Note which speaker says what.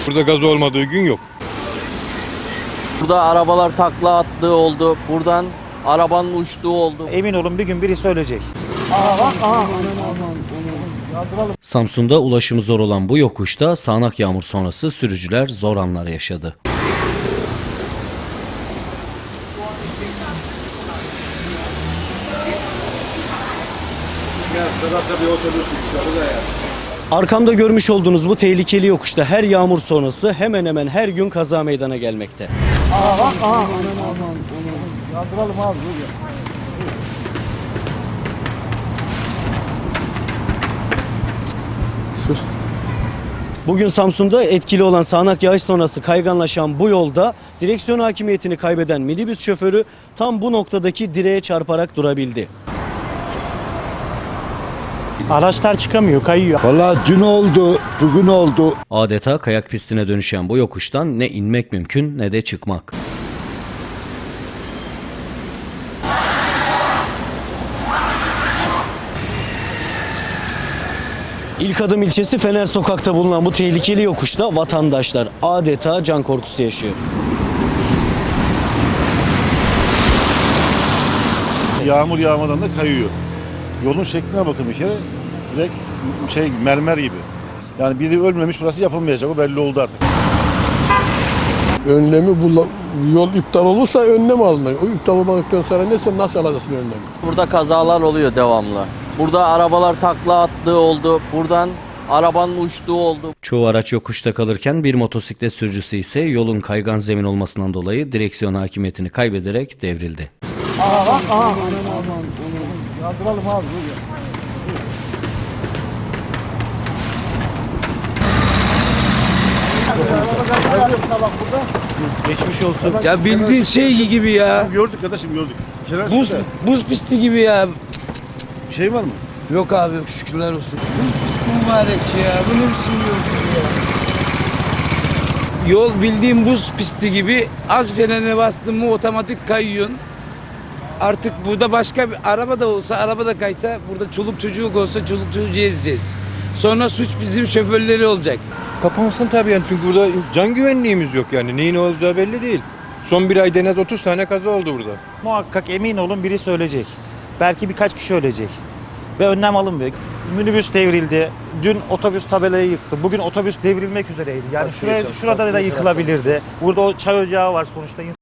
Speaker 1: Burada gaz olmadığı gün yok.
Speaker 2: Burada arabalar takla attığı oldu. Buradan arabanın uçtuğu oldu.
Speaker 3: Emin olun bir gün birisi ölecek.
Speaker 4: Samsun'da ulaşımı zor olan bu yokuşta sağanak yağmur sonrası sürücüler zor anlar yaşadı. Arkamda görmüş olduğunuz bu tehlikeli yokuşta her yağmur sonrası hemen hemen her gün kaza meydana gelmekte. Bugün Samsun'da etkili olan sağanak yağış sonrası kayganlaşan bu yolda direksiyon hakimiyetini kaybeden minibüs şoförü tam bu noktadaki direğe çarparak durabildi.
Speaker 3: Araçlar çıkamıyor, kayıyor.
Speaker 5: Vallahi dün oldu, bugün oldu.
Speaker 4: Adeta kayak pistine dönüşen bu yokuştan ne inmek mümkün ne de çıkmak. İlk Adım ilçesi Fener Sokak'ta bulunan bu tehlikeli yokuşta vatandaşlar adeta can korkusu yaşıyor.
Speaker 6: Yağmur yağmadan da kayıyor. Yolun şekline bakın bir kere. Direkt mermer gibi. Yani biri ölmemiş, burası yapılmayacak. O belli oldu artık.
Speaker 7: Önlemi yol iptal olursa önlem alınır. O iptal olmadıktan sonra nasıl alacaksın önlemi?
Speaker 2: Burada kazalar oluyor devamlı. Burada arabalar takla attığı oldu. Buradan arabanın uçtuğu oldu.
Speaker 4: Çoğu araç yokuşta kalırken bir motosiklet sürücüsü ise yolun kaygan zemin olmasından dolayı direksiyon hakimiyetini kaybederek devrildi.
Speaker 3: Geçmiş olsun.
Speaker 8: Ya bildiğin şey gibi ya.
Speaker 6: Gördük kardeşim, gördük.
Speaker 8: Buz pisti gibi ya.
Speaker 6: Bir şey var mı?
Speaker 8: Yok abi yok şükürler olsun. Buz pisti mübarek ya. Bu ne biçim yol ya. Yol bildiğin buz pisti gibi. Az frene bastın mı otomatik kayıyorsun. Artık burada başka bir araba da olsa, araba da kaysa, burada çoluk çocuk olsa çoluk çocuğu ezeceğiz. Sonra suç bizim şoförleri olacak.
Speaker 1: Kapansın tabii yani çünkü burada can güvenliğimiz yok yani. Neyin olacağı belli değil. Son bir ayda en az 30 tane kaza oldu burada.
Speaker 3: Muhakkak emin olun birisi ölecek. Belki birkaç kişi ölecek. Ve önlem alınmıyor. Minibüs devrildi. Dün otobüs tabelayı yıktı. Bugün otobüs devrilmek üzereydi. Yani şurada da yıkılabilirdi. Burada o çay ocağı var sonuçta.